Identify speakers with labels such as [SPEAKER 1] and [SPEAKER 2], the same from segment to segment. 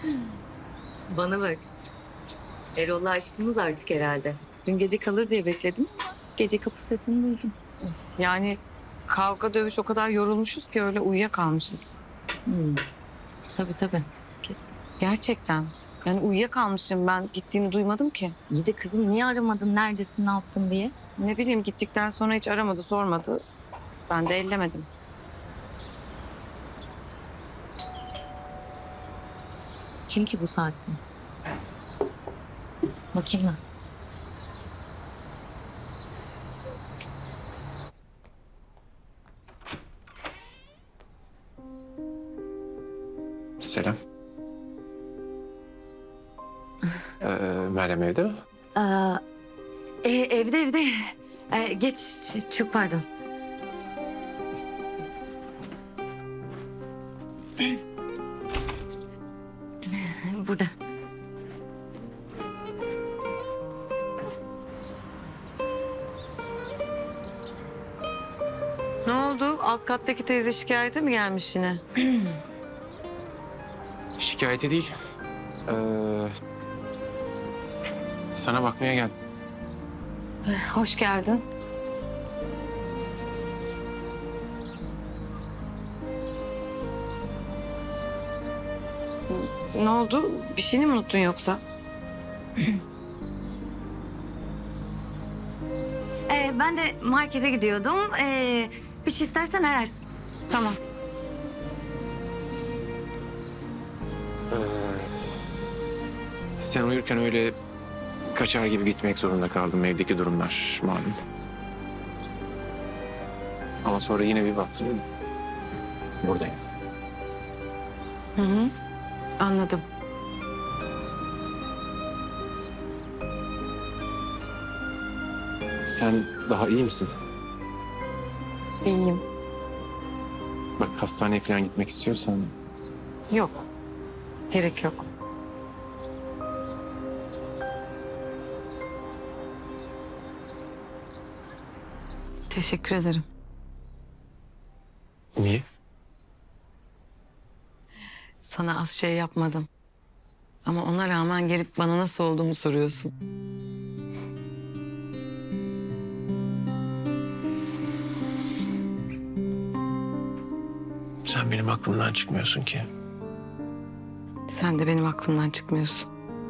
[SPEAKER 1] Bana bak. Erol'la açtınız artık herhalde. Dün gece kalır diye bekledim ama gece kapı sesini duydum.
[SPEAKER 2] Yani kavga dövüş o kadar yorulmuşuz ki öyle uyuyakalmışız.
[SPEAKER 1] Hmm. Tabii. Kesin.
[SPEAKER 2] Gerçekten. Yani uyuyakalmışım, ben gittiğini duymadım ki.
[SPEAKER 1] İyi de kızım niye aramadın, neredesin, ne yaptın diye?
[SPEAKER 2] Ne bileyim, gittikten sonra hiç aramadı, sormadı. Ben de ellemedim.
[SPEAKER 1] Kim ki bu saatte? Bakayım ben.
[SPEAKER 3] Selam. Meryem evde mi?
[SPEAKER 1] Aa, evde. Geç, çok pardon. Burada.
[SPEAKER 2] Ne oldu? Alt kattaki teyze şikayete mi gelmiş yine?
[SPEAKER 3] Şikayeti değil. Sana bakmaya geldim.
[SPEAKER 2] Hoş geldin. Ne oldu? Bir şeyini mi unuttun yoksa?
[SPEAKER 1] Ben de markete gidiyordum. Bir şey istersen ararsın.
[SPEAKER 2] Tamam.
[SPEAKER 3] Sen uyurken öyle kaçar gibi gitmek zorunda kaldım. Evdeki durumlar malum. Ama sonra yine bir baktım. Buradayım.
[SPEAKER 2] Hı. Anladım.
[SPEAKER 3] Sen daha iyi misin?
[SPEAKER 2] İyiyim.
[SPEAKER 3] Bak hastaneye falan gitmek istiyorsan
[SPEAKER 2] Yok. Gerek yok. Teşekkür ederim.
[SPEAKER 3] niye?
[SPEAKER 2] Sana az şey yapmadım. Ama ona rağmen gelip bana nasıl olduğumu soruyorsun.
[SPEAKER 3] Sen benim aklımdan çıkmıyorsun ki.
[SPEAKER 2] Sen de benim aklımdan çıkmıyorsun.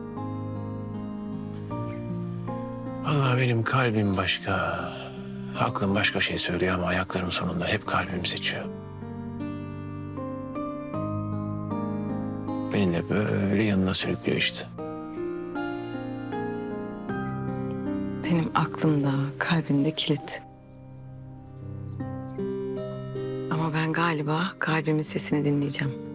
[SPEAKER 3] Vallahi benim kalbim başka. Aklım başka şey söylüyor ama ayaklarım sonunda hep kalbim seçiyor. Beni de böyle yanına sürüklüyor işte.
[SPEAKER 2] Benim aklımda, kalbimde kilit. Ama ben galiba kalbimin sesini dinleyeceğim.